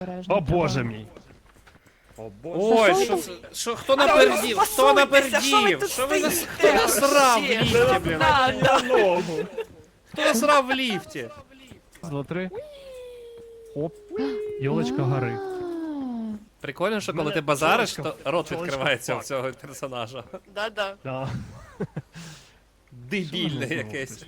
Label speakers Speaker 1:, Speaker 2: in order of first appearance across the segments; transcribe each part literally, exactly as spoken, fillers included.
Speaker 1: О боже мій.
Speaker 2: О боже.
Speaker 3: Ой, що це? Що, хто напердів? Хто напердів? Що ви нас... Хто насрав в ліфті, блін?
Speaker 2: На ногу.
Speaker 3: Хто насрав в ліфті?
Speaker 1: Два, три. Оп. Йолочка гори.
Speaker 3: Прикольно, що коли
Speaker 1: Мене
Speaker 3: ти базариш,
Speaker 1: чолочка-
Speaker 3: то рот
Speaker 1: чолочка
Speaker 3: відкривається
Speaker 1: фак.
Speaker 3: в цього персонажа.
Speaker 4: Да-да.
Speaker 1: Да.
Speaker 3: Дебільне якесь.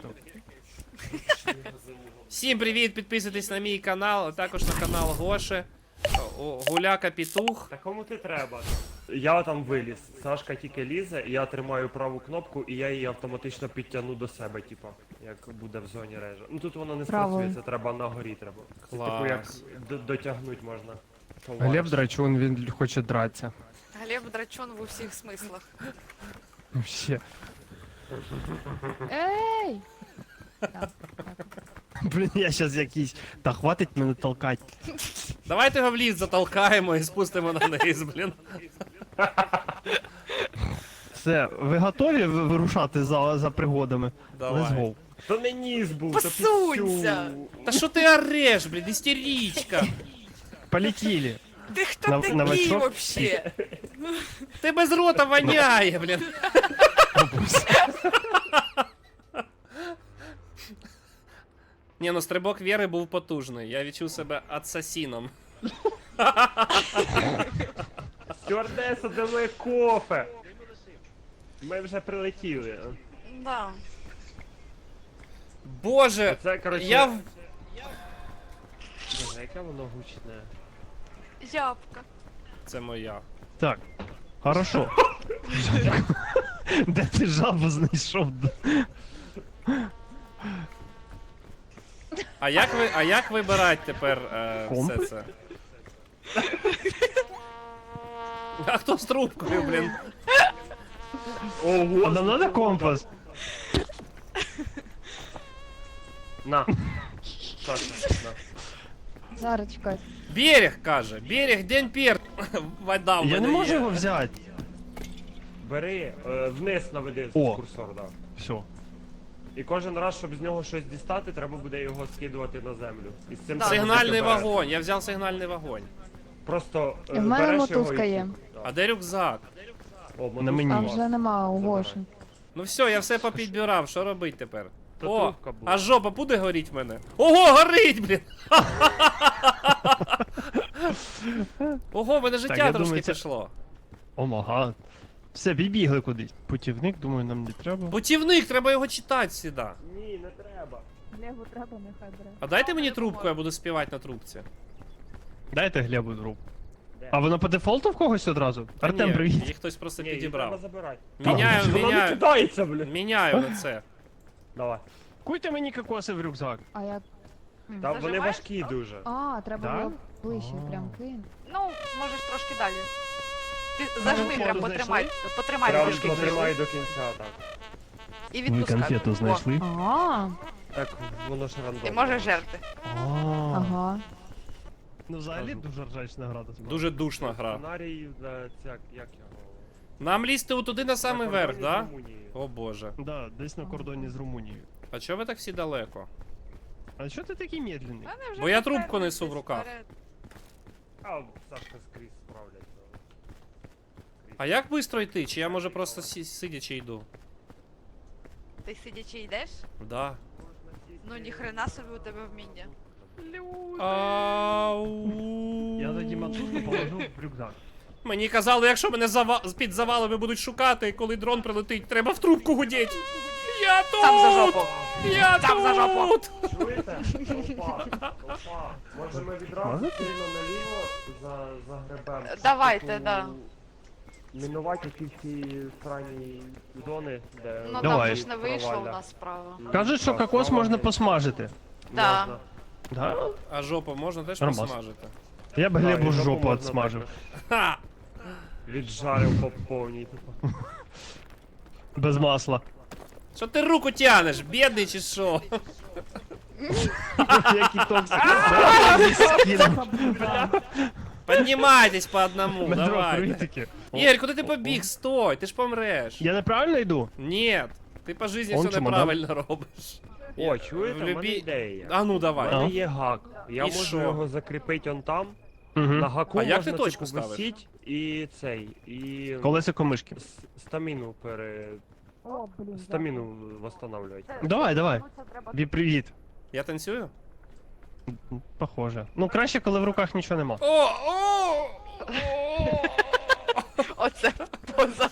Speaker 3: Всім привіт, підписуйтесь на мій канал, а також на канал Гоши. О, Гуляка Пітух.
Speaker 2: Та кому ти треба? Я там виліз. Сашка тільки лізе, і я тримаю праву кнопку, і я її автоматично підтягну до себе, типа, як буде в зоні режа. Ну тут воно не
Speaker 5: Правою.
Speaker 2: спрацює, це треба на горі треба. Це,
Speaker 3: Клас.
Speaker 2: типу як д- дотягнуть можна.
Speaker 1: Глеб Драчун, він хоче драться.
Speaker 4: Глеб драчун в усіх смислах.
Speaker 1: Вообще.
Speaker 5: Ей!
Speaker 1: Блін, я щас якийсь. Та хватить мене толкать.
Speaker 3: Давайте його в ліфт затолкаємо і спустимо на низ, блін.
Speaker 1: Все, ви готові ви- вирушати за, за пригодами? Let's
Speaker 3: Давай.
Speaker 1: go.
Speaker 2: То не ніс був, то
Speaker 4: Посунься!
Speaker 2: піцю.
Speaker 3: Та що ти ореш, блін, істеричка?
Speaker 1: Полетіли.
Speaker 4: Ти хто
Speaker 1: На-
Speaker 4: такий
Speaker 1: новачок?
Speaker 4: вообще?
Speaker 3: Ти без рота воняє, блін. Ні, ну стрибок Віри був потужний. Я відчув себе асасіном.
Speaker 2: Стюардеса, де моє кофе? Ми вже прилетіли.
Speaker 4: Да.
Speaker 3: Боже,
Speaker 2: Це, коротше,
Speaker 3: я в...
Speaker 2: Боже, яке воно гучне.
Speaker 4: Ябка.
Speaker 3: Це моя.
Speaker 1: Так. Хорошо. Де ти жабу знайшов?
Speaker 3: А як ви, а як вибирати тепер е,
Speaker 1: Комп?
Speaker 3: все це? А хто з трубкою, блін?
Speaker 2: Ого,
Speaker 1: Нам надо компас.
Speaker 2: На. Саша, на.
Speaker 5: Зараз чекай.
Speaker 3: Берег, каже. Берег, день пер. Вода в
Speaker 1: Я не
Speaker 3: мене
Speaker 1: можу
Speaker 3: є.
Speaker 1: його взяти.
Speaker 2: Бери, е, вниз наведи
Speaker 1: О.
Speaker 2: курсор, да.
Speaker 1: Все.
Speaker 2: І кожен раз, щоб з нього щось дістати, треба буде його скидувати на землю. І з цим
Speaker 4: Да.
Speaker 2: треба
Speaker 3: Сигнальний
Speaker 2: бути обережним.
Speaker 3: вогонь, я взяв сигнальний вогонь.
Speaker 2: Просто е,
Speaker 5: І в мене
Speaker 2: береш його
Speaker 5: мотузка
Speaker 2: і-
Speaker 5: є.
Speaker 2: Да.
Speaker 3: А де рюкзак?
Speaker 2: О, мотузка
Speaker 1: На мені.
Speaker 5: А
Speaker 2: у вас.
Speaker 5: вже нема у
Speaker 2: Забирай.
Speaker 5: Гоші.
Speaker 3: Ну все, я все попідбирав, що робити тепер?
Speaker 2: Та
Speaker 3: О,
Speaker 2: трубка була.
Speaker 3: а жопа буде горіть в мене? Ого, горить, блін! Ого, в мене життя
Speaker 1: я
Speaker 3: трошки
Speaker 1: думаю, це-
Speaker 3: пішло.
Speaker 1: О мага. Все, відбігли кудись. Путівник, думаю, нам не треба.
Speaker 3: Путівник, треба його читати сюди.
Speaker 2: Ні, не треба.
Speaker 5: Глебу треба, нехай бере.
Speaker 3: А дайте мені трубку, я буду співати на трубці.
Speaker 1: Дайте Глебу друг.
Speaker 2: Де?
Speaker 1: А воно по дефолту в когось одразу?
Speaker 3: Та
Speaker 1: Артем,
Speaker 3: ні,
Speaker 1: привіт.
Speaker 3: її хтось просто
Speaker 2: Ні, її треба
Speaker 3: підібрав.
Speaker 2: забирати.
Speaker 3: Міняю,
Speaker 2: Вона не
Speaker 3: міняю,
Speaker 2: кидається, блін.
Speaker 3: міняю на це.
Speaker 2: Давай.
Speaker 1: Куйте мені кокоси в рюкзак.
Speaker 5: А як?
Speaker 2: Та вони
Speaker 4: Зажимаєш?
Speaker 2: важкі дуже.
Speaker 5: А, треба
Speaker 1: Да?
Speaker 5: було ближче
Speaker 1: А.
Speaker 5: прям кинь.
Speaker 4: Ну, можеш трошки далі. Ти зажми,
Speaker 1: конфету
Speaker 4: прям
Speaker 1: знайшли?
Speaker 4: потримай. Потримай
Speaker 2: Прям
Speaker 4: трошки.
Speaker 2: потримай до кінця, так.
Speaker 4: І відпускай. О,
Speaker 5: А,
Speaker 2: Так, воно ж рандомно.
Speaker 4: Ти можеш жерти.
Speaker 5: ага.
Speaker 1: Ну взагалі дуже ржачна гра. насправді.
Speaker 3: Дуже душна гра.
Speaker 2: Сценарій, да, це, як його?
Speaker 3: Нам лізти отуди на самий
Speaker 2: На
Speaker 3: верх,
Speaker 2: кордоні з
Speaker 3: да?
Speaker 2: Румунією.
Speaker 3: О боже.
Speaker 1: Да, десь на кордоні з Румунією.
Speaker 3: А чого ви так всі далеко?
Speaker 1: А що ти такий медленний?
Speaker 4: Мене вже
Speaker 3: Бо я
Speaker 4: попереду
Speaker 3: трубку несу в
Speaker 4: десь
Speaker 3: руках.
Speaker 4: вперед.
Speaker 2: А, Сашка скрізь справляється.
Speaker 3: А як швидко йти? Чи я може просто сі- сидячи йду?
Speaker 4: Ти сидячи йдеш?
Speaker 3: Да.
Speaker 4: Ну ніхрена собі у тебе вміння.
Speaker 3: Ау.
Speaker 1: Я тоді мотузку положу в рюкзак.
Speaker 3: Мені казали, якщо мене зава... під завалами будуть шукати, коли дрон прилетить, треба в трубку гудіть. Я тут!
Speaker 4: Там за жопу.
Speaker 3: Я
Speaker 4: Там за жопу.
Speaker 3: тут!
Speaker 2: Чуєте? Опа, опа. Може ми відразу
Speaker 1: Можете?
Speaker 2: сильно наліво за, загребем? щоб,
Speaker 4: Давайте,
Speaker 2: типу,
Speaker 4: да.
Speaker 2: Мінувати ті всі срані зони, де...
Speaker 4: Ну
Speaker 1: Давай.
Speaker 4: там же ж не вийшло у
Speaker 2: провалля.
Speaker 4: нас справа.
Speaker 1: Кажуть, що кокос можна посмажити.
Speaker 4: Да.
Speaker 2: Можна.
Speaker 1: Да?
Speaker 3: А жопу можна теж
Speaker 1: Нормас.
Speaker 3: посмажити?
Speaker 1: Я б
Speaker 2: Да,
Speaker 1: Глебу
Speaker 2: і жопу
Speaker 1: жопу
Speaker 2: можна
Speaker 1: отсмажив.
Speaker 2: також.
Speaker 3: Ха!
Speaker 2: Віджарив по повній. типу.
Speaker 1: Без масла.
Speaker 3: Що ти руку тянеш, бідний чи що?
Speaker 1: Який токсик.
Speaker 3: Піднімайтесь по одному,
Speaker 1: Метро,
Speaker 3: давай.
Speaker 1: критики.
Speaker 3: Ігор, куди ти побіг? Стой, ти ж помреш.
Speaker 1: Я неправильно йду?
Speaker 3: Ні, ти по житті
Speaker 1: Он
Speaker 3: все
Speaker 1: чемодан.
Speaker 3: неправильно робиш.
Speaker 2: О, чуєте,
Speaker 3: В
Speaker 2: в мене
Speaker 3: любі-
Speaker 2: ідея.
Speaker 3: А ну
Speaker 2: У
Speaker 3: давай.
Speaker 2: мене
Speaker 1: А?
Speaker 2: є гак. Я
Speaker 3: І
Speaker 2: можу
Speaker 3: що?
Speaker 2: його закріпити он там,
Speaker 1: Угу.
Speaker 2: На гаку
Speaker 3: А як
Speaker 2: можна,
Speaker 3: ти точку
Speaker 2: типу,
Speaker 3: ставиш?
Speaker 2: висіть і цей, і
Speaker 1: Колесико мишки.
Speaker 2: с- стаміну пере...
Speaker 5: О, блін.
Speaker 2: стаміну восстанавливати.
Speaker 1: Давай, давай. Бі, привіт.
Speaker 3: Я танцюю?
Speaker 1: Похоже. Ну, краще, коли в руках нічого нема.
Speaker 3: О, о!
Speaker 4: Оце поза.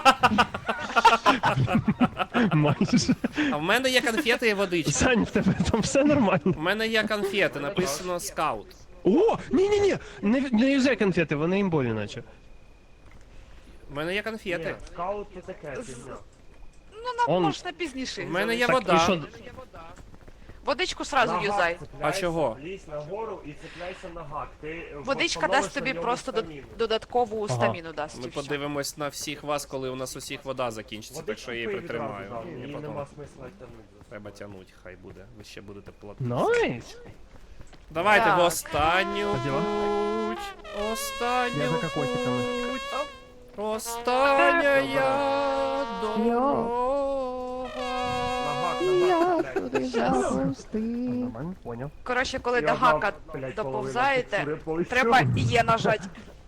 Speaker 1: Майже.
Speaker 3: А в мене є конфети і водичка.
Speaker 1: Сань, в тебе там все нормально.
Speaker 3: У мене є конфети, написано скаут.
Speaker 1: О, ні-ні-ні, не, не юзай конфети, вони імбові наче.
Speaker 3: У мене є конфети.
Speaker 2: Ні, скаут це таке, фігня.
Speaker 4: Ну, нам
Speaker 1: Он-
Speaker 4: можна пізніше.
Speaker 3: У мене є
Speaker 1: Так,
Speaker 3: вода.
Speaker 1: і що?
Speaker 4: Водичку сразу
Speaker 2: На
Speaker 4: юзай.
Speaker 2: гак цепляйся,
Speaker 3: А чого?
Speaker 2: Лізь нагору і цепляйся на гак. Ти
Speaker 4: Водичка
Speaker 2: восстановиш
Speaker 4: дасть
Speaker 2: на
Speaker 4: тобі
Speaker 2: ньому
Speaker 4: просто до-
Speaker 2: стаміну.
Speaker 4: додаткову
Speaker 1: Ага.
Speaker 4: стаміну дасть.
Speaker 3: Ми
Speaker 4: і все.
Speaker 3: подивимось на всіх вас, коли у нас усіх вода закінчиться, так
Speaker 2: Водичку
Speaker 3: що я її
Speaker 2: пий відразу,
Speaker 3: притримаю.
Speaker 2: да,
Speaker 3: Мені
Speaker 2: її
Speaker 3: потім
Speaker 2: нема смисла тягнути.
Speaker 3: треба тягнути, хай буде. Ви ще будете платити.
Speaker 1: Найс.
Speaker 3: Давайте
Speaker 4: Так.
Speaker 3: в останню
Speaker 1: Поділа.
Speaker 3: путь. Останню
Speaker 1: Я за кокосиками.
Speaker 3: путь. Остання я дорога.
Speaker 2: На гак,
Speaker 5: І
Speaker 2: на
Speaker 5: я
Speaker 2: гак
Speaker 5: туди
Speaker 2: цепляйся.
Speaker 5: запустив.
Speaker 1: Нормально, понял.
Speaker 4: Коротше, коли
Speaker 2: І
Speaker 4: до
Speaker 2: одна,
Speaker 4: гака
Speaker 2: блядь,
Speaker 4: доповзаєте,
Speaker 2: половина текстури
Speaker 4: треба є нажати.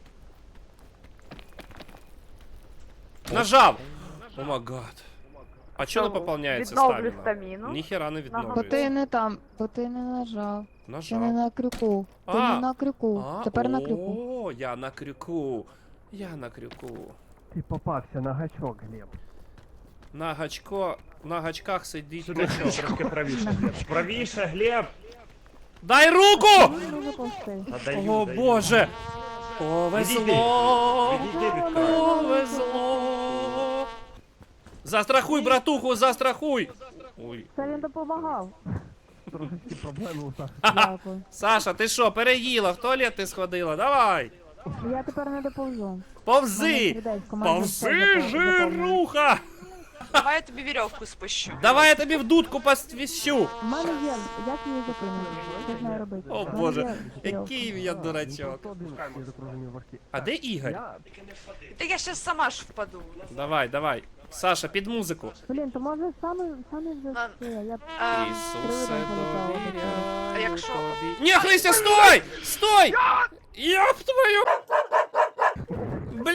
Speaker 3: Нажав! О май гад. А чого не поповняється
Speaker 4: Відновлю
Speaker 3: стаміна?
Speaker 4: стаміну.
Speaker 3: Ніхера не
Speaker 5: Бо ти
Speaker 3: відновлюється.
Speaker 5: не там, бо ти не нажав. Ти не
Speaker 3: Нажав.
Speaker 5: на крюку. Ти
Speaker 3: А.
Speaker 5: не на крюку.
Speaker 3: А,
Speaker 5: Тепер на крюку.
Speaker 3: О, я на крюку. Я на крюку.
Speaker 1: Ти попався на гачок, Глеб.
Speaker 3: На гачко, на гачках сидить
Speaker 2: Сюди
Speaker 3: гачок.
Speaker 2: трошки правіше, Глеб. Правіше, Глеб!
Speaker 3: Дай руку!
Speaker 5: Дуже повсти.
Speaker 2: Та даю,
Speaker 3: О
Speaker 2: даю.
Speaker 3: боже! Повезло!
Speaker 2: Відійди від краю.
Speaker 3: Повезло! Застрахуй, братуху, застрахуй! Ой.
Speaker 5: Це він допомагав.
Speaker 1: Трошечки проблеми у Саші.
Speaker 5: Дякую.
Speaker 3: Саша, ти що, переїла? В туалет ти сходила? Давай!
Speaker 5: Я тепер не доповзу.
Speaker 3: Повзи! Повзи, жируха!
Speaker 4: Давай я тобі вірьовку спущу.
Speaker 3: Давай я тобі в дудку посвіщу!
Speaker 5: У мене є, як її зупинити? Що з нею робити?
Speaker 3: О
Speaker 5: У мене
Speaker 3: боже,
Speaker 5: є вірьовка.
Speaker 3: який я дурачок. А де Ігор?
Speaker 4: Та я щас сама ж впаду.
Speaker 3: Давай, давай. Саша, під музику.
Speaker 5: Блін, то може саме, саме вже
Speaker 4: На-
Speaker 5: все. Я
Speaker 4: А,
Speaker 3: Ісусе,
Speaker 4: А
Speaker 3: довіряю
Speaker 4: якщо-
Speaker 3: тобі. Ні, Христя, стой! Стой! Йоп твою! Бля...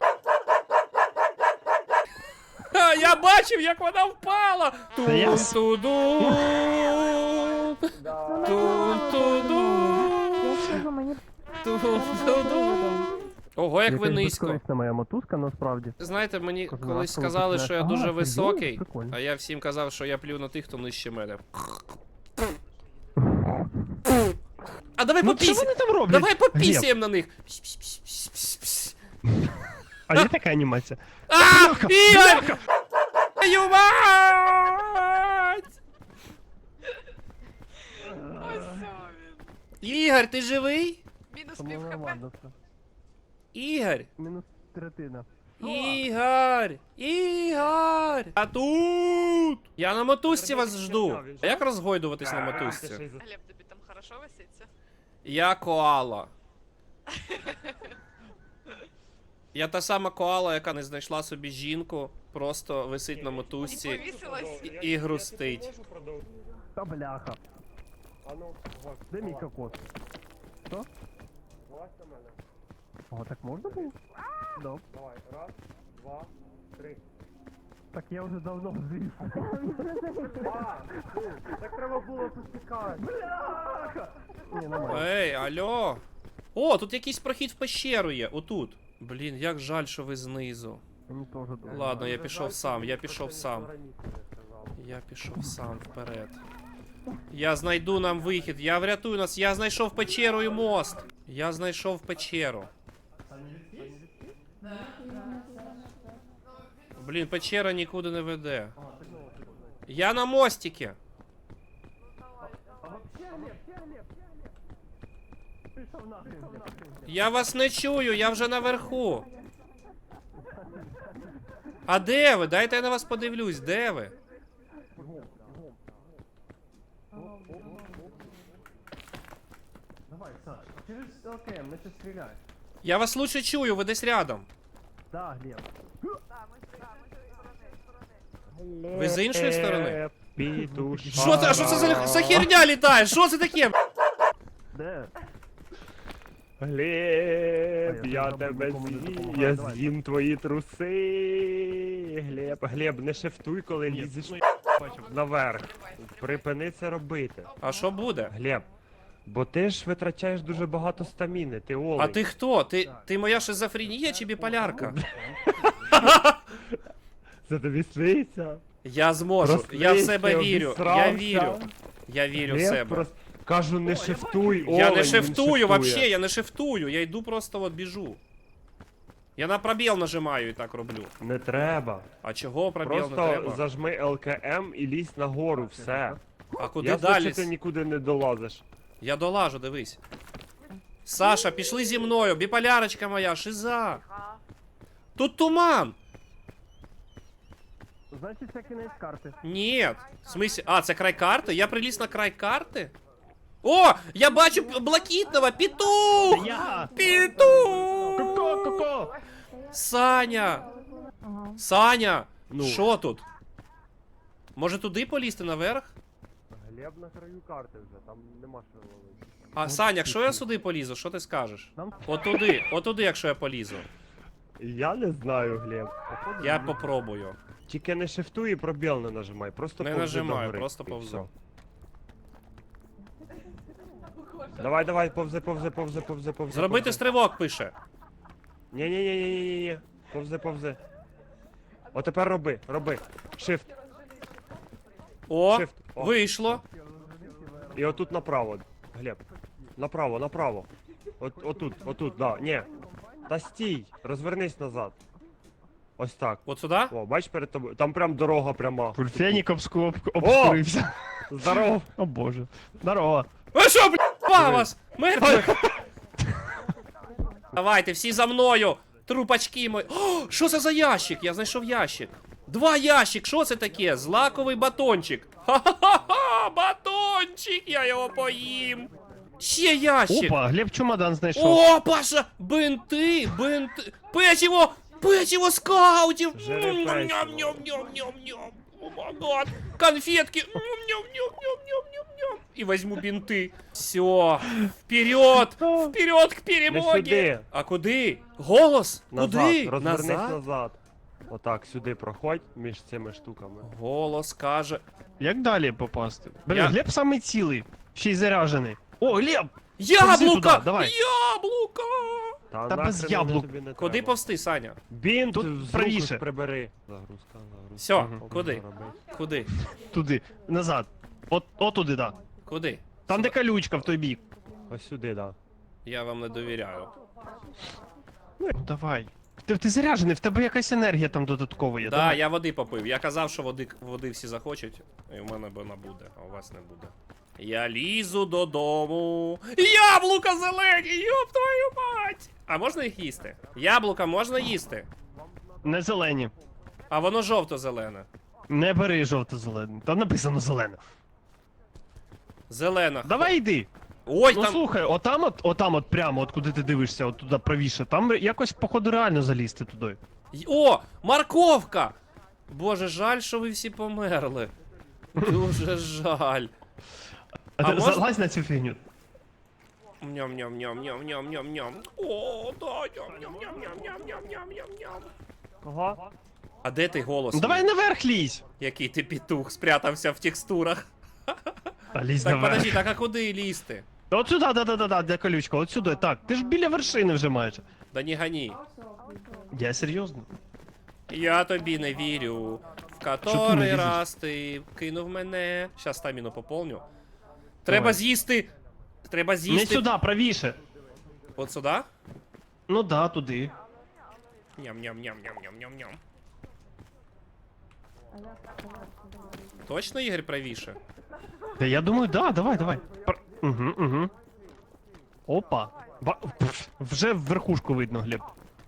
Speaker 3: Ха, я бачив, як вона впала!
Speaker 1: Та я с-
Speaker 3: Тун-ту-ду! Тун-ту-ду!
Speaker 5: я скажу, мені
Speaker 3: Тун-ту-ду! Ого, як ви низько.
Speaker 1: Безкорисна моя мотузка, насправді.
Speaker 3: Знаєте, мені
Speaker 1: Кожен
Speaker 3: колись
Speaker 1: раз, коли
Speaker 3: сказали,
Speaker 1: починаєш,
Speaker 3: що я
Speaker 1: «А,
Speaker 3: дуже
Speaker 1: серйозно?
Speaker 3: високий,
Speaker 1: Прикольно».
Speaker 3: а я всім казав, що я плюю на тих, хто нижче мене. А давай
Speaker 1: Ну, що
Speaker 3: попісі...
Speaker 1: вони там роблять?
Speaker 3: Давай
Speaker 1: Глеб,
Speaker 3: попісіємо на них.
Speaker 1: а є така анімація?
Speaker 3: А, Ігор! Твою мать! Ігор, ти живий?
Speaker 4: Мінус
Speaker 1: Тому
Speaker 4: пів хп.
Speaker 1: нормально все.
Speaker 3: Ігор!
Speaker 1: Мінус третина.
Speaker 3: Ігор! Ігор! А тут! Я на мотузці вас жду. А як розгойдуватись на мотузці?
Speaker 4: Глеб, тобі там хорошо виситься?
Speaker 3: Я коала. Я та сама коала, яка не знайшла собі жінку, просто висить на
Speaker 4: І
Speaker 3: мотузці
Speaker 4: повісилась?
Speaker 3: і, і грустить.
Speaker 1: Та бляха.
Speaker 2: А ну, вот,
Speaker 1: Де мій кокос? Що?
Speaker 2: влазь на мене.
Speaker 1: О, так можна було? Да.
Speaker 2: Давай, раз, два, три.
Speaker 1: Так я вже давно зрів.
Speaker 2: А, фу, так треба було поспікати.
Speaker 1: Ні, нормально.
Speaker 3: Ей, алло. О, тут якийсь прохід в пещеру є, отут. Блін, як жаль, що ви знизу.
Speaker 1: Мені теж добре.
Speaker 3: Ладно, я пішов сам, я пішов сам. Я пішов сам вперед. Я знайду нам вихід, я врятую нас, я знайшов печеру і мост. Я знайшов печеру. Блін, печера нікуди не веде. Я на мостике. Я вас не чую, я вже наверху. А де ви? Дайте я на вас подивлюсь, де ви?
Speaker 1: Давай, Саш, через ЛКМ, ми це стріляй.
Speaker 3: Я вас лучше чую, ви десь рядом.
Speaker 1: Да, Глеб.
Speaker 3: Ви з іншої сторони?
Speaker 2: Пітуша.
Speaker 3: Що це? А що це за, за херня літає? Що це таке?
Speaker 1: Де?
Speaker 2: Глеб,
Speaker 1: А, я
Speaker 2: я
Speaker 1: там
Speaker 2: тебе
Speaker 1: нікому не
Speaker 2: з'їм,
Speaker 1: допомагаю,
Speaker 2: я
Speaker 1: давай.
Speaker 2: з'їм твої труси. Глеб, Глеб, не шифтуй, коли
Speaker 1: Ні,
Speaker 2: лізеш
Speaker 1: ну, я бачив.
Speaker 2: наверх. Припини це робити.
Speaker 3: А що буде?
Speaker 2: Глеб, бо ти ж витрачаєш дуже багато стаміни, ти олень.
Speaker 3: А ти хто? Ти, ти моя шизофренія чи біполярка?
Speaker 2: Це тобі сниться?
Speaker 3: Я зможу,
Speaker 2: Проснися,
Speaker 3: я в себе вірю, я
Speaker 2: обісрався.
Speaker 3: вірю. Я вірю в
Speaker 2: Глеб,
Speaker 3: себе.
Speaker 2: просто- Кажу, не шифтуй, олень,
Speaker 3: Я не
Speaker 2: він
Speaker 3: шифтую
Speaker 2: шифтує.
Speaker 3: вообще, я не шифтую, я йду просто от біжу. Я на пробіл нажимаю і так роблю.
Speaker 2: Не треба.
Speaker 3: А чого пробіл не
Speaker 2: Просто
Speaker 3: треба?
Speaker 2: зажми ел ка ем і лізь нагору, все.
Speaker 3: А куди
Speaker 2: Я
Speaker 3: далі?
Speaker 2: що ти нікуди не долазиш.
Speaker 3: Я долажу, дивись. Саша, пішли зі мною, біполярочка моя, шиза.
Speaker 4: Ага.
Speaker 3: Тут туман.
Speaker 1: Значить, це кінець карти.
Speaker 3: Ні. В смысле? А, це край карти? Я приліз на край карти? О! Я бачу п- блакитного! Петух!
Speaker 1: Я!
Speaker 3: Петух!
Speaker 1: Ко-ко, ко-ко!
Speaker 3: Саня!
Speaker 5: Ага.
Speaker 3: Саня!
Speaker 2: Ну.
Speaker 3: Що тут? Може туди полізти наверх?
Speaker 2: Глеб на краю карти вже, там нема що ловити.
Speaker 3: А, Саня, якщо я сюди полізу, що ти скажеш?
Speaker 1: Там-
Speaker 3: Отуди, отуди, якщо я полізу.
Speaker 2: Я не знаю, Глеб.
Speaker 3: Я попробую.
Speaker 2: Тільки не шифтуй і пробіл не нажимай, просто
Speaker 3: Не
Speaker 2: повзи
Speaker 3: нажимаю,
Speaker 2: догори,
Speaker 3: просто
Speaker 2: і
Speaker 3: повзу.
Speaker 2: все. Давай, давай, повзи, повзи, повзи, повзи, повзи.
Speaker 3: Зробити
Speaker 2: повзи.
Speaker 3: стрибок пише.
Speaker 2: Ні, ні, ні, ні, ні, ні. Повзи, повзи. О, тепер роби, роби. Shift.
Speaker 3: О,
Speaker 2: Shift. О.
Speaker 3: вийшло.
Speaker 2: І отут направо. Глеб. Направо, направо. От, отут, отут, да. Ні. Та стій, розвернись назад. Ось так.
Speaker 3: От сюди?
Speaker 2: О, бач перед тобою. Там прям дорога пряма.
Speaker 1: Фурфенік обску- обскурився.
Speaker 2: Здоров.
Speaker 1: О боже. Здорово.
Speaker 3: Ви що, блядь, вас? Мертвих? Давайте, всі за мною. Трупачки мої. О, що це за ящик? Я знайшов ящик. Два ящик, що це таке? Злаковий батончик. Ха-ха-ха, батончик, я його поїм. Ще ящик.
Speaker 1: Опа, Глеб чемодан знайшов.
Speaker 3: О, Паша, бинти, бинти. Печиво, печиво скаутів.
Speaker 2: Жири печиво.
Speaker 3: Ням-ням-ням-ням-ням. О, май гад. Конфетки. Ням-ням-ням-ням-ням-ням. И возьму бинты. Все, вперед, вперед к
Speaker 2: Не
Speaker 3: перемоге.
Speaker 2: сюди.
Speaker 3: А куди? Голос?
Speaker 2: Назад.
Speaker 3: Куди?
Speaker 2: Розвернись
Speaker 3: Назад?
Speaker 2: назад. Отак, сюди проходь між цими штуками.
Speaker 3: Голос каже.
Speaker 1: Як далі попасти? Блін,
Speaker 3: Я-
Speaker 1: Глеб самий цілий. Ще й заряджений. О, Глеб!
Speaker 3: Яблука!
Speaker 1: туди, давай.
Speaker 3: Яблука!
Speaker 2: Та,
Speaker 1: Та без
Speaker 2: нахрен вони
Speaker 1: яблук.
Speaker 2: тобі не
Speaker 3: Куди
Speaker 2: треба.
Speaker 3: повсти, Саня?
Speaker 2: Бінт
Speaker 1: Тут
Speaker 2: з рук
Speaker 1: правіше.
Speaker 2: прибери. Загрузка, загрузка.
Speaker 3: Все,
Speaker 2: Мгм.
Speaker 3: куди?
Speaker 2: Робить.
Speaker 3: Куди?
Speaker 1: Туди. Назад. От, от туди, да.
Speaker 3: Куди?
Speaker 1: Там, де колючка в той бік.
Speaker 2: Ось сюди, да.
Speaker 3: Я вам не довіряю.
Speaker 1: Ну, давай. Ти, ти заряджений, в тебе якась енергія там додаткова є.
Speaker 3: Да,
Speaker 1: давай.
Speaker 3: я води попив. Я казав, що води, води всі захочуть, і в мене вона буде, а у вас не буде. Я лізу додому. Яблука зелені, йоп твою мать! А можна їх їсти? Яблука можна їсти?
Speaker 1: Не зелені.
Speaker 3: А воно жовто-зелене.
Speaker 1: Не бери жовто-зелене. Там написано зелене.
Speaker 3: Зелена.
Speaker 1: Давай йди.
Speaker 3: Ой,
Speaker 1: Ну
Speaker 3: там.
Speaker 1: слухай, отам от, отам от прямо, от куди ти дивишся, от туди правіше. Там якось, походу, реально залізти туди.
Speaker 3: Й- О, морковка! Боже, жаль, що ви всі померли. Дуже жаль.
Speaker 1: А,
Speaker 3: А
Speaker 1: ти
Speaker 3: можна-
Speaker 1: залазь на цю фігню.
Speaker 3: Ням-ням-ням-ням-ням-ням-ням. О, да, ням-ням-ням-ням-ням-ням-ням-ням.
Speaker 2: Кого?
Speaker 3: А де ти голос?
Speaker 1: Ну давай
Speaker 3: мій?
Speaker 1: наверх лізь.
Speaker 3: Який ти петух, спрятався в текстурах.
Speaker 1: А лізь
Speaker 3: Так,
Speaker 1: наверх.
Speaker 3: подожди, так а куди лізти?
Speaker 1: От сюди, да-да-да, де колючка, от сюди. Так, ти ж біля вершини вже майже.
Speaker 3: Да не гони.
Speaker 1: Я серйозно.
Speaker 3: Я тобі не вірю. В
Speaker 1: не
Speaker 3: котрий
Speaker 1: лізеш?
Speaker 3: раз ти кинув мене. Щас стаміну поповню. Треба
Speaker 1: Давай.
Speaker 3: з'їсти. Треба
Speaker 1: Не
Speaker 3: з'їсти.
Speaker 1: сюди, правіше.
Speaker 3: От сюди?
Speaker 1: Ну да, туди.
Speaker 3: Ням-ням-ням-ням-ням-ням-ням. Точно, Ігор, правіше?
Speaker 1: Та я думаю, да, давай, давай. Пр... Угу, угу. Опа. Ба... пф, Вже верхушку видно, Глеб.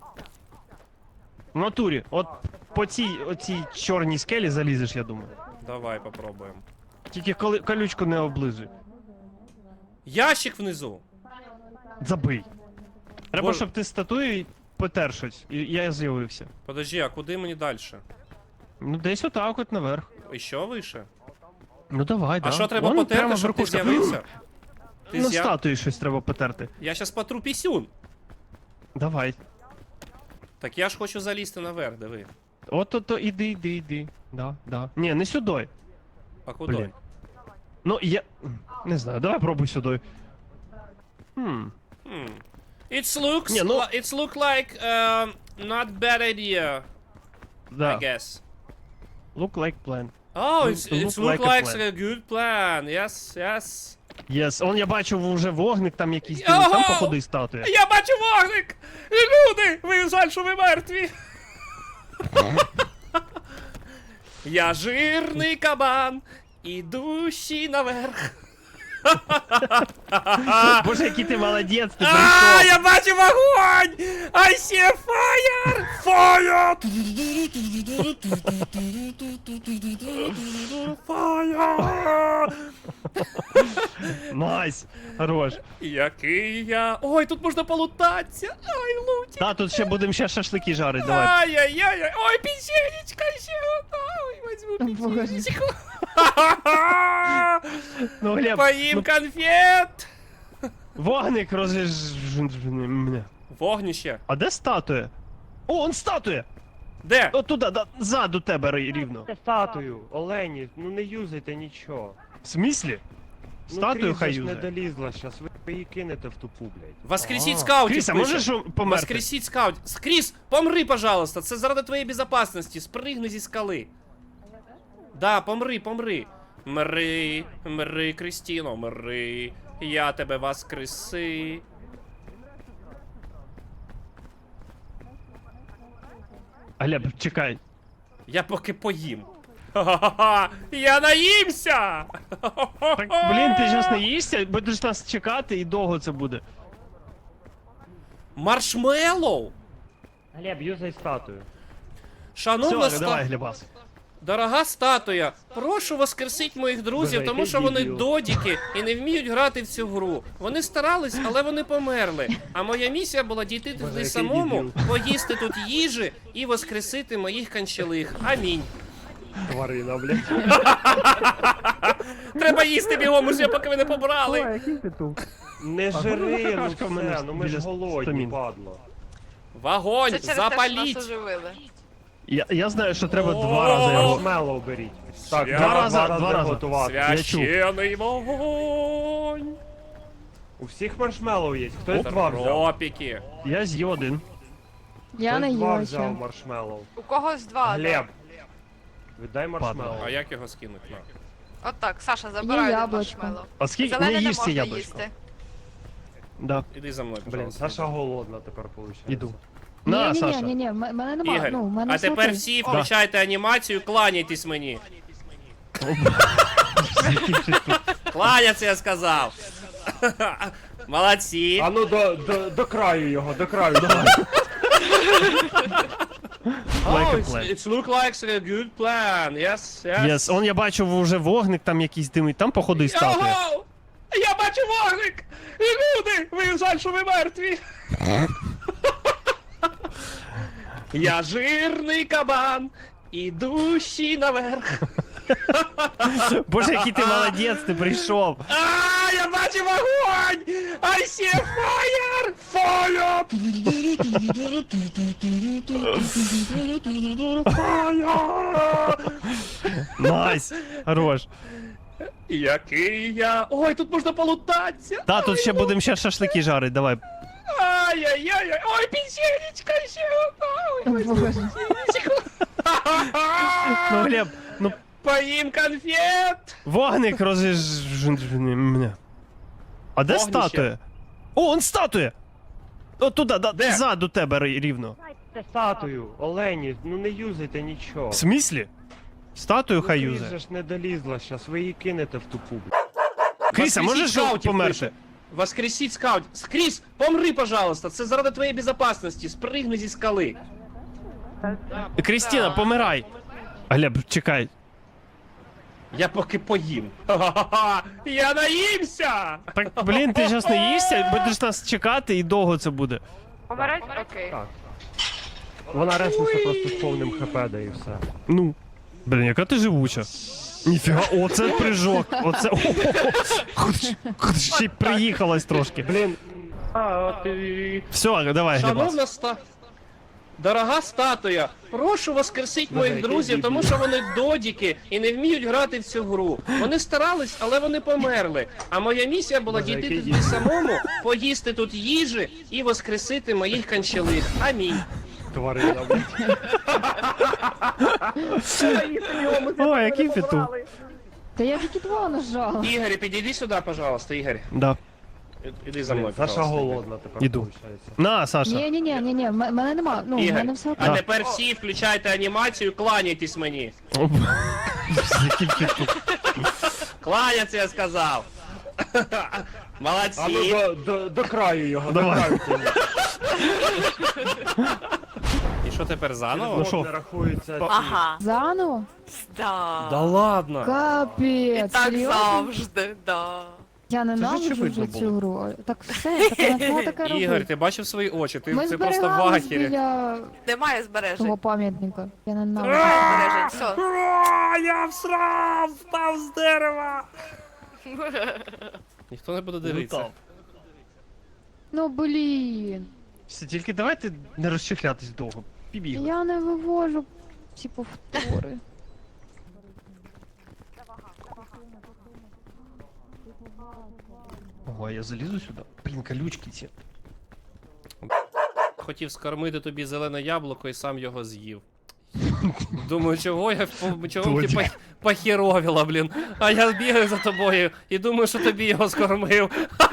Speaker 1: В натурі, от по цій оцій чорній скелі залізеш, я думаю.
Speaker 3: Давай попробуємо.
Speaker 1: Тільки коли колючку не облизуй.
Speaker 3: Ящик внизу.
Speaker 1: Забий. Треба,
Speaker 3: Боже.
Speaker 1: щоб ти статуєю потер щось, і я з'явився.
Speaker 3: Подожди, а куди мені далі?
Speaker 1: Ну десь отак от наверх.
Speaker 3: І що вище?
Speaker 1: Ну давай,
Speaker 3: А
Speaker 1: да.
Speaker 3: що треба
Speaker 1: Вон
Speaker 3: потерти,
Speaker 1: прямо
Speaker 3: щоб ти
Speaker 1: верхушка.
Speaker 3: з'явився? Ти
Speaker 1: на
Speaker 3: зя-
Speaker 1: статуї щось треба потерти.
Speaker 3: Я щас потру пісюн.
Speaker 1: Давай.
Speaker 3: Так я ж хочу залізти наверх, диви.
Speaker 1: От ото іди, іди, іди. Да, да. Ні, не сюди.
Speaker 3: А куди?
Speaker 1: Блін. Ну, я... Не знаю, давай пробуй сюди. Хм.
Speaker 3: Hmm. It's looks,
Speaker 1: Ні, ну-
Speaker 3: li- it's look like um, not bad idea,
Speaker 1: Да.
Speaker 3: I guess.
Speaker 1: Look like plan.
Speaker 3: Oh,
Speaker 1: Look-
Speaker 3: it's, it's
Speaker 1: look
Speaker 3: look
Speaker 1: like a
Speaker 3: like
Speaker 1: plan.
Speaker 3: a good plan. Yes, yes.
Speaker 1: Yes. Он я бачу вже вогник там якийсь дивись, там
Speaker 3: Ого!
Speaker 1: походу і статуя.
Speaker 3: Я бачу вогник! Люди! Ви жаль, що ви мертві! Я жирний кабан, ідущий наверх.
Speaker 1: Боже, який ти молодець, ти
Speaker 3: А,
Speaker 1: прийшов.
Speaker 3: я бачу вогонь! I see fire! Fire! Fire!
Speaker 1: Найс. Хорош.
Speaker 3: Який я... Ой, тут можна полутатися! Ай, луті!
Speaker 1: Та, тут ще будемо ще шашлики жарити, давай.
Speaker 3: Ай-яй-яй! Ой, печенечка ще одна! Ой, возьму
Speaker 5: Боже.
Speaker 3: печенечку!
Speaker 1: Ну, Глеб,
Speaker 3: Поїм
Speaker 1: ну,
Speaker 3: конфет!
Speaker 1: вогник розж... мене.
Speaker 3: Вогнище.
Speaker 1: А де статуя? О, он статуя!
Speaker 3: Де?
Speaker 1: От туди, да, ззаду тебе ри- рівно.
Speaker 2: Це статую, Олені, ну не юзайте нічого.
Speaker 1: В смислі?
Speaker 2: Ну,
Speaker 1: Статую
Speaker 2: Кріс
Speaker 1: хай
Speaker 2: же ж не
Speaker 1: юзає.
Speaker 2: долізла щас, ви її кинете в тупу, блядь.
Speaker 3: Воскресіть
Speaker 1: А,
Speaker 3: скаутів
Speaker 1: Кріса,
Speaker 3: пише.
Speaker 1: можеш померти?
Speaker 3: Воскресіть скаутів. Кріс, помри, пожалуйста, це заради твоєї безопасності. Спригни зі скали. Да, помри, помри. Мри, мри, Крістіно, мри. Я тебе воскреси.
Speaker 1: Глеб, чекай.
Speaker 3: Я поки поїм. Ха-ха-ха! Я наїмся!
Speaker 1: Так, блін, ти зараз не їсться, будеш нас чекати і довго це буде.
Speaker 3: Маршмеллоу!
Speaker 2: Глеб, юзай статую.
Speaker 3: Шановна
Speaker 1: Все, давай,
Speaker 3: ста...
Speaker 1: Глебас.
Speaker 3: Дорога статуя, прошу воскресіть моїх друзів,
Speaker 2: Боже,
Speaker 3: тому
Speaker 2: який
Speaker 3: що вони
Speaker 2: дебіл.
Speaker 3: додіки і не вміють грати в цю гру. Вони старались, але вони померли. А моя місія була дійти
Speaker 2: Боже,
Speaker 3: туди
Speaker 2: який
Speaker 3: самому,
Speaker 2: дебіл.
Speaker 3: поїсти тут їжі і воскресити моїх канчелих. Амінь.
Speaker 2: Тварина, блядь.
Speaker 3: Треба їсти бігом, уже поки ви не
Speaker 5: Ой,
Speaker 3: побрали.
Speaker 5: який ти тут?
Speaker 2: Не
Speaker 1: А
Speaker 2: жири,
Speaker 1: ну,
Speaker 2: ну
Speaker 1: какашка в мене
Speaker 2: все, ну ми ж
Speaker 1: біля
Speaker 2: голодні,
Speaker 1: стамін.
Speaker 2: падло.
Speaker 3: Вогонь,
Speaker 4: Це через те, що нас
Speaker 3: запаліть.
Speaker 4: оживили.
Speaker 1: Я, я знаю, що треба
Speaker 3: О,
Speaker 1: два рази його.
Speaker 2: Маршмеллоу беріть. Так,
Speaker 3: Свя-
Speaker 2: два
Speaker 1: рази,
Speaker 2: рази,
Speaker 1: два рази.
Speaker 2: готувати.
Speaker 1: Я чув.
Speaker 3: Священий вогонь.
Speaker 2: У всіх маршмеллоу є. Хтось два взяв.
Speaker 3: Тропіки.
Speaker 1: Я з'їв один.
Speaker 5: Я не
Speaker 2: Хтось два
Speaker 5: їла
Speaker 2: взяв
Speaker 5: ще.
Speaker 2: маршмеллоу.
Speaker 4: У когось два.
Speaker 2: Глеб, віддай маршмеллоу.
Speaker 3: А як його скинуть? На.
Speaker 4: От так, Саша, забирай один
Speaker 5: яблучко.
Speaker 4: маршмеллоу.
Speaker 1: А скільки
Speaker 4: Зелене
Speaker 1: не
Speaker 4: не
Speaker 1: їж це
Speaker 4: можна
Speaker 1: яблучко?
Speaker 4: їсти.
Speaker 1: Да,
Speaker 3: Іди за мною,
Speaker 2: Блін,
Speaker 3: пожалуйста.
Speaker 2: Саша голодна тепер виходить.
Speaker 1: іду.
Speaker 5: Ні,
Speaker 1: На,
Speaker 5: ні,
Speaker 1: Саша.
Speaker 5: ні, ні, ні, в мене нема,
Speaker 3: Ігор,
Speaker 5: ну, в мене
Speaker 3: а тепер
Speaker 5: смаки.
Speaker 3: всі включайте анімацію, кланяйтесь мені. Кланяться, я сказав. Молодці.
Speaker 2: А ну до, до, до краю його, до краю. Давай.
Speaker 1: Like a
Speaker 3: it's,
Speaker 1: plan.
Speaker 3: it's look like a good plan. Yes, yes.
Speaker 1: Yes, он я бачу вже вогник там якийсь димить, там походу і статуя.
Speaker 3: Ого! Я бачу вогник! Люди! Ви жаль, що ви мертві! Я жирний кабан, ідущий наверх.
Speaker 1: Боже, який ти молодець, ти прийшов.
Speaker 3: А, я бачу вогонь! I see fire! Fire! Fire!
Speaker 1: Найс, хорош.
Speaker 3: Який я... Ой, тут можна полутатися!
Speaker 1: Та, тут ще будемо ще шашлики жарити, давай.
Speaker 3: Ай-яй-яй! Ой, печенечка ще одна! Ой,
Speaker 5: Боже.
Speaker 3: печенечку!
Speaker 1: Ну, Глеб, ну,
Speaker 3: Поїм конфет!
Speaker 1: вогник розж... мене. А де
Speaker 3: Вогнище.
Speaker 1: статуя? О, он статуя! От туди, да,
Speaker 3: Де?
Speaker 1: ззаду тебе ри- рівно.
Speaker 2: Це статую, Олені, ну не юзайте нічого.
Speaker 1: В смислі? Статую хай
Speaker 2: Кріс
Speaker 1: юзає.
Speaker 2: же ж не долізла щас, ви її кинете в тупу, блядь.
Speaker 1: Кріса, можеш
Speaker 3: скаутів
Speaker 1: померти?
Speaker 3: пише. Воскресіть скаут. Кріс, помри, пожалуйста, це заради твоєї безопасності. Спригни зі скали.
Speaker 1: Крістіна, помирай. Глеб, чекай.
Speaker 3: Я поки поїм. Ха-ха-ха! Я наїмся!
Speaker 1: Так, блін, ти зараз не їсться, будеш нас чекати і довго це буде.
Speaker 4: Помирать? Окей.
Speaker 2: Так. Вона реснеться просто з повним хп, да і все.
Speaker 1: Ну. Блін, яка ти живуча. Ніфіга, оце прыжок, оце... О, ще й приїхалась трошки.
Speaker 2: Блін,
Speaker 3: А, ти...
Speaker 1: Все, давай, Глебас.
Speaker 3: Шановна ста... Дорога статуя, прошу воскресіть
Speaker 2: Боже,
Speaker 3: моїх
Speaker 2: який
Speaker 3: друзів,
Speaker 2: дебіл.
Speaker 3: тому що вони додіки і не вміють грати в цю гру. Вони старались, але вони померли. А моя місія була
Speaker 2: Боже,
Speaker 3: дійти
Speaker 2: який
Speaker 3: туди
Speaker 2: дебіл.
Speaker 3: самому, поїсти тут їжі і воскресити моїх канчелих. Амінь.
Speaker 2: тварина, блядь.
Speaker 1: О, який петух.
Speaker 5: Та я тільки два нажала.
Speaker 3: Ігор, підійди сюди, пожалуйста, Ігор.
Speaker 1: Да.
Speaker 3: Іди за мною,
Speaker 2: Саша
Speaker 3: пожалуйста.
Speaker 2: голодна тепер,
Speaker 1: Іду.
Speaker 2: виходить.
Speaker 1: На, Саша.
Speaker 5: Ні, ні, ні, ні, ні, в мене нема. Ну, в
Speaker 3: Ігор,
Speaker 5: мене все
Speaker 3: а
Speaker 5: окей.
Speaker 3: тепер всі включайте анімацію, кланяйтесь мені.
Speaker 1: О, який петух.
Speaker 3: Кланяться, я сказав.
Speaker 2: А ну
Speaker 3: Молодці.
Speaker 2: до, до, до краю його,
Speaker 1: Давай.
Speaker 2: до краю.
Speaker 3: І що тепер заново?
Speaker 1: Ну що?
Speaker 2: Не рахується.
Speaker 4: Ага.
Speaker 5: Заново?
Speaker 4: Да.
Speaker 3: Да ладно.
Speaker 4: І
Speaker 5: Капець,
Speaker 4: так
Speaker 5: серйозно?
Speaker 4: завжди, да.
Speaker 5: Я ненавиджу
Speaker 1: очевидно
Speaker 5: вже
Speaker 1: було.
Speaker 5: цю гру. Так все, так вона треба таке
Speaker 3: Ігор,
Speaker 5: робити.
Speaker 3: ти бачив свої очі, ти
Speaker 5: Ми
Speaker 3: це просто в
Speaker 5: зберігались
Speaker 3: ахері.
Speaker 5: біля
Speaker 4: Немає збережень.
Speaker 5: того пам'ятника. Я ненавиджу.
Speaker 4: Збережень, все.
Speaker 3: Ура, я всрав, впав з дерева. Ніхто не буде дивитися.
Speaker 1: Лутав.
Speaker 5: Ну, блін.
Speaker 1: Все, тільки давайте не розчехлятись довго. Пібігли.
Speaker 5: Я не вивожу ці повтори.
Speaker 1: Ого, я залізу сюди. Блін, колючки ці.
Speaker 3: Хотів скормити тобі зелене яблуко і сам його з'їв. Думаю, чого я по- чого ти
Speaker 1: Точно.
Speaker 3: пох- похеровіла, блін. А я бігаю за тобою і думаю, що тобі його скормив.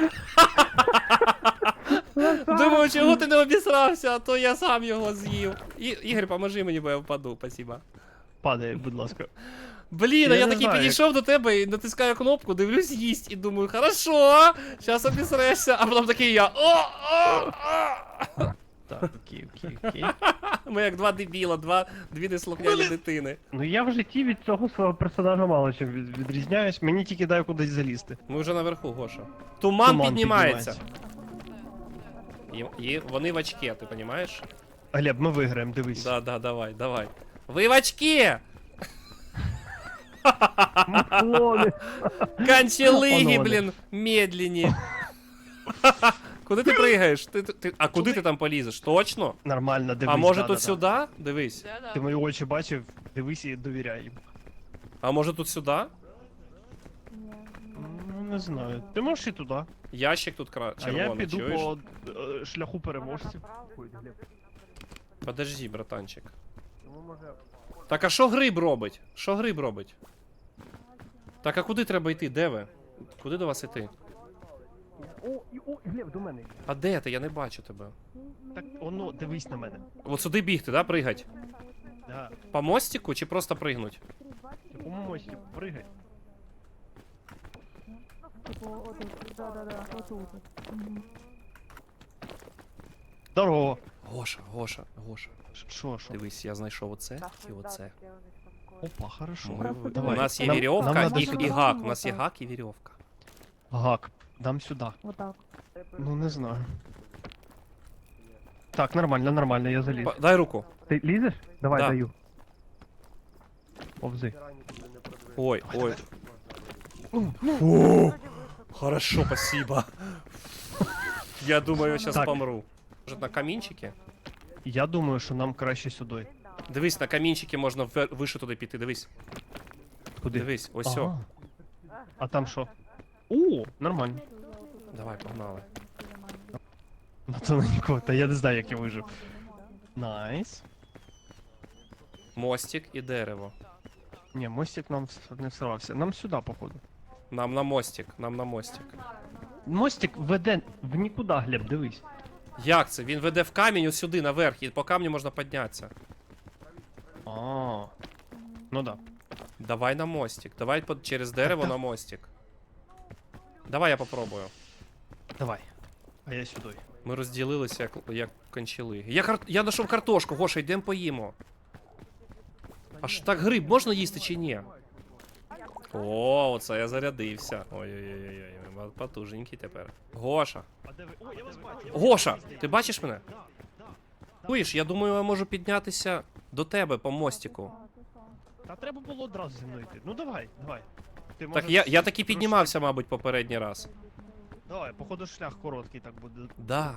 Speaker 3: Думаю, чого ти не обісрався, а то я сам його з'їв. І, Ігор, поможи мені, бо я впаду, спасибо.
Speaker 1: Падає, будь ласка.
Speaker 3: Блін, а
Speaker 1: Я
Speaker 3: я
Speaker 1: не
Speaker 3: такий
Speaker 1: знаю,
Speaker 3: підійшов до тебе і натискаю кнопку, дивлюсь їсть і думаю, хорошо, зараз обісрешся, а потім такий я. О, о, о.
Speaker 1: Так, окей, окей, окей.
Speaker 3: Ми як два дебіла, два, дві неслухняні дитини.
Speaker 1: Ну я в житті від цього свого персонажа мало чим від- відрізняюсь, мені тільки дай кудись залізти.
Speaker 3: Ми вже наверху, Гоша. Туман,
Speaker 1: Туман
Speaker 3: піднімається. І, і вони в очке, ти розумієш?
Speaker 1: Глеб, ми виграємо, дивись.
Speaker 3: Да, да, давай, давай. Ви в очке! Канчелиги,
Speaker 1: Панове.
Speaker 3: блін, медленні. Куди ти пригаєш? Ти, ти, ти- а куди ти там полізеш? Точно?
Speaker 1: Нормально, дивись.
Speaker 3: А може
Speaker 1: да,
Speaker 3: тут
Speaker 1: да,
Speaker 3: сюди? Дивись.
Speaker 4: Да-да.
Speaker 1: Ти мої очі бачив, дивись і довіряй їм.
Speaker 3: А може тут сюди?
Speaker 1: Ну, не знаю. Ти можеш і туди.
Speaker 3: Ящик тут кра...
Speaker 1: А я
Speaker 3: червоний,
Speaker 1: піду
Speaker 3: чуєш?
Speaker 1: по е, шляху переможців.
Speaker 3: Подожди, братанчик. Так, а що гриб робить? Що гриб робить? Так, а куди треба йти? Де ви? Куди до вас йти?
Speaker 1: О, і, о, Глеб, до мене.
Speaker 3: А де ти? Я не бачу тебе.
Speaker 1: Так, оно, дивись на мене.
Speaker 3: От сюди бігти, да, пригать?
Speaker 1: Да.
Speaker 3: По мостику чи просто пригнуть?
Speaker 1: Ти по мості пригай. Здорово.
Speaker 3: Гоша, Гоша, Гоша.
Speaker 1: Ш- Що, що?
Speaker 3: Дивись, я знайшов оце і оце.
Speaker 1: Опа, хорошо.
Speaker 3: Ми в-
Speaker 1: Давай.
Speaker 3: У нас є
Speaker 1: Нам-
Speaker 3: вірьовка
Speaker 1: нам надо
Speaker 3: і,
Speaker 1: сюди.
Speaker 3: і гак. У нас є гак і вірьовка.
Speaker 1: Гак, дам сюди.
Speaker 5: Отак.
Speaker 1: Ну не знаю. Так, нормально, нормально, я заліз.
Speaker 3: Па- Дай руку.
Speaker 1: Ти лізеш? Давай,
Speaker 3: Да.
Speaker 1: даю. Повзи.
Speaker 3: Ой, ой. О, хорошо, спасибо. Я думаю, я сейчас
Speaker 1: Так.
Speaker 3: помру. Может, на камінчики?
Speaker 1: Я думаю, що нам краще сюди.
Speaker 3: Дивись, на камінчики можна ввер- вище туди піти, дивись.
Speaker 1: Куди?
Speaker 3: Дивись, ось
Speaker 1: Ага.
Speaker 3: о.
Speaker 1: А там що? О, нормально.
Speaker 3: Давай, погнали.
Speaker 1: На тоненько, та я не знаю, як я вижив. Найс.
Speaker 3: Мостик і дерево.
Speaker 1: Ні, мостик нам вс- не всрався. Нам сюди, походу.
Speaker 3: Нам на мостик, нам на мостик.
Speaker 1: Мостик веде в нікуди, Глеб, дивись.
Speaker 3: Як це? Він веде в камінь ось сюди, наверх, і по камню можна піднятися.
Speaker 1: А. Ну да.
Speaker 3: Давай на мостик. Давай под... через дерево на мостик. Давай я попробую.
Speaker 1: Давай. А я сюди.
Speaker 3: Ми розділилися як, як кончили. Я, кар... я знайшов картошку, Гоша, йдемо поїмо. Аж так гриб можна їсти чи ні? О, оце я зарядився. Ой-ой-ой, потужненький тепер. Гоша.
Speaker 1: А де ви? О, я вас бачу.
Speaker 3: Гоша, ти бачиш мене? Чуєш, я думаю, я можу піднятися до тебе по мостику.
Speaker 1: Та треба було одразу зі мною йти. Ну давай, давай. Ти,
Speaker 3: Так,
Speaker 1: може,
Speaker 3: я, я таки
Speaker 1: трошки-
Speaker 3: піднімався, мабуть, попередній раз.
Speaker 1: Давай, походу шлях короткий так буде.
Speaker 3: Да.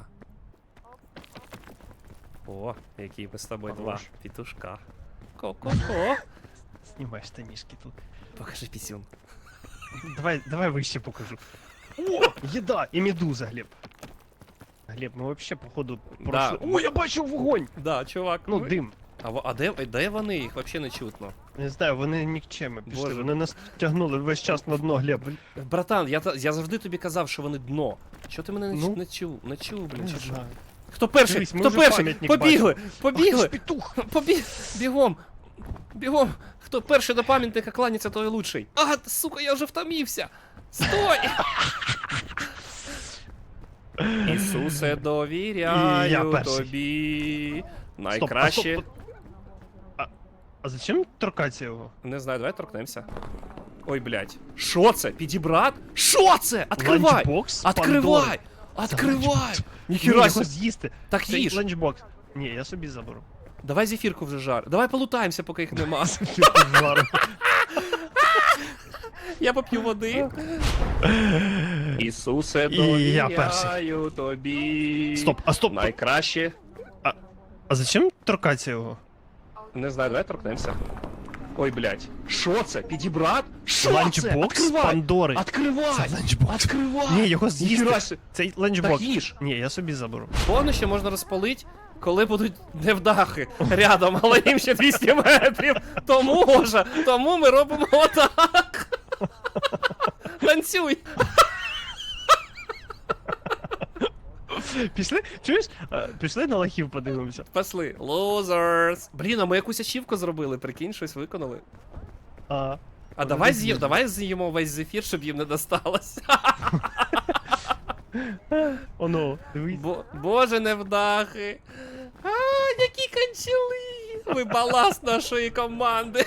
Speaker 3: О, які ми з тобою два
Speaker 1: Хорош.
Speaker 3: пітушка. Ко-ко-ко.
Speaker 1: Знімай штанішки тут.
Speaker 3: Покажи пісюн.
Speaker 1: Давай, давай вище покажу. О, їда і медуза, Глеб. Глеб, ми вообще, походу,
Speaker 3: Да.
Speaker 1: пройшли. О, я бачу вогонь!
Speaker 3: Да, чувак.
Speaker 1: Ну,
Speaker 3: ви-
Speaker 1: дим.
Speaker 3: А, во- а де, де вони? Їх взагалі не чутно.
Speaker 1: Не знаю, вони нікчеми пішли.
Speaker 3: Боже.
Speaker 1: Вони нас тягнули весь час на дно, Глеб.
Speaker 3: Братан, я, та- я завжди тобі казав, що вони дно. Що ти мене не,
Speaker 1: Ну?
Speaker 3: чу- не чув? Не чув, блін,
Speaker 1: Не
Speaker 3: чи що?
Speaker 1: знаю.
Speaker 3: Хто перший?
Speaker 1: Дивись, ми
Speaker 3: Хто
Speaker 1: вже
Speaker 3: перший?
Speaker 1: пам'ятник
Speaker 3: Побігли!
Speaker 1: Ах,
Speaker 3: Побігли!
Speaker 1: ти ж петух!
Speaker 3: Побіг! Бігом! Бігом! Хто перший до пам'ятника кланяться, той лучший. А, сука, я вже втомився! Стой! Ісусе, довіряю
Speaker 1: І я перший.
Speaker 3: тобі.
Speaker 1: Стоп, а
Speaker 3: Найкраще.
Speaker 1: стоп, а, а зачем торкатися його?
Speaker 3: Не знаю, давай торкнемося. Ой, блядь. Що це? Підібрат? Що це? Откривай!
Speaker 1: Ланчбокс
Speaker 3: Откривай!
Speaker 1: Пандори.
Speaker 3: Откривай!
Speaker 1: Ні,
Speaker 3: Ніхіра
Speaker 1: його
Speaker 3: себе.
Speaker 1: з'їсти.
Speaker 3: Так
Speaker 1: Це
Speaker 3: їж.
Speaker 1: ланчбокс. Ні, я собі заберу.
Speaker 3: Давай зефірку вже жар. Давай полутаємося, поки їх нема.
Speaker 1: Жару.
Speaker 3: Я поп'ю води. Ісусе,
Speaker 1: І я перший.
Speaker 3: довіряю тобі.
Speaker 1: Стоп, а стоп.
Speaker 3: Найкраще.
Speaker 1: А зачем торкатися його?
Speaker 3: Не знаю, давай торкнемося. Ой, блядь. Що це? Підібрат? Що це?
Speaker 1: Ланчбокс
Speaker 3: Откривай!
Speaker 1: Пандори.
Speaker 3: Откривай!
Speaker 1: Це ланчбокс.
Speaker 3: Откривай!
Speaker 1: Ні, його
Speaker 3: Ніхіра
Speaker 1: з'їсти.
Speaker 3: себе.
Speaker 1: Цей ланчбокс.
Speaker 3: Так їж.
Speaker 1: Ні, я собі заберу.
Speaker 3: Повно ще можна розпалити, коли будуть невдахи рядом, але їм ще двісті метрів. Тому може, тому ми робимо отак. Танцюй.
Speaker 1: Пішли? Чуєш? А, Пішли на лохів подивимося.
Speaker 3: Пошли. Losers. Блін, а ми якусь ачівку зробили, прикинь, щось виконали.
Speaker 1: А,
Speaker 3: А
Speaker 1: Вони
Speaker 3: давай
Speaker 1: з'їли.
Speaker 3: з'їм, давай з'їмо весь зефір, щоб їм не досталося.
Speaker 1: оно, дивись.
Speaker 3: Бо, боже, невдахи. А, які кончили. Ви баласт нашої команди.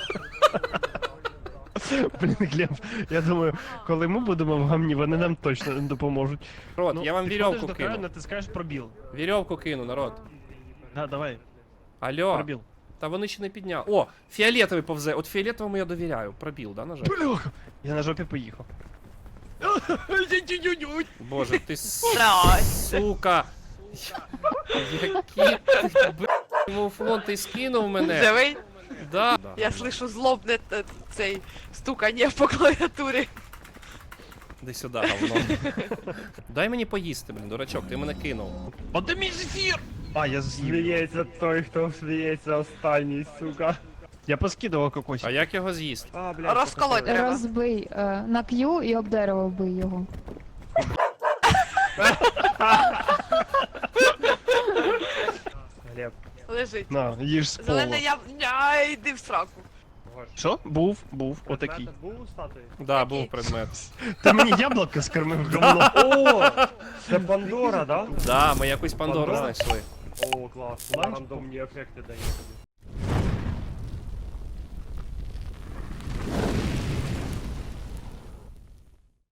Speaker 1: Блін, Глеб, я думаю, коли ми будемо в гамні, вони нам точно не допоможуть.
Speaker 3: Народ,
Speaker 1: Ну,
Speaker 3: я вам
Speaker 1: підходиш
Speaker 3: вірьовку
Speaker 1: до краю,
Speaker 3: кину.
Speaker 1: натискаєш пробіл.
Speaker 3: Вірьовку кину, народ.
Speaker 1: Да, давай,
Speaker 3: Алло.
Speaker 1: пробіл.
Speaker 3: Та вони ще не підняли. О, фіолетовий повзе. От фіолетовому я довіряю. Пробіл, да, нажав?
Speaker 1: Бляха, я на жопі поїхав.
Speaker 3: Боже, ти с-
Speaker 4: Здрасте.
Speaker 3: сука. Який ти, б***ь, муфлон, ти скинув мене.
Speaker 4: Живий?
Speaker 3: Да.
Speaker 4: Я слышу злобне т- цей стукання по клавіатурі.
Speaker 3: Іди сюди, говно. Дай мені поїсти, блін, дурачок, ти мене кинув.
Speaker 1: А де мій зефір? А, я з'їв.
Speaker 2: Сміється той, хто сміється останній, сука.
Speaker 1: Я поскидував кокось.
Speaker 3: А як його з'їсти?
Speaker 2: А, блядь,
Speaker 4: Розколоть
Speaker 2: покажи.
Speaker 4: треба.
Speaker 5: Розбий е, на Q і об дерево вбий його.
Speaker 2: Глеб,
Speaker 4: Лежить.
Speaker 1: На, їж з пола.
Speaker 4: Зелене я... Ня, йди в сраку.
Speaker 2: Гош.
Speaker 1: Що? Був, був, отакий.
Speaker 2: Предмет був у статуї?
Speaker 3: Да,
Speaker 4: Який?
Speaker 3: був предмет.
Speaker 1: Ти мені яблуко скормив говно.
Speaker 2: О, це Пандора, да?
Speaker 3: Да, ми якусь Пандору
Speaker 2: Пандора?
Speaker 3: знайшли.
Speaker 2: О, клас.
Speaker 1: Ланч?
Speaker 2: Рандомні ефекти дає тобі.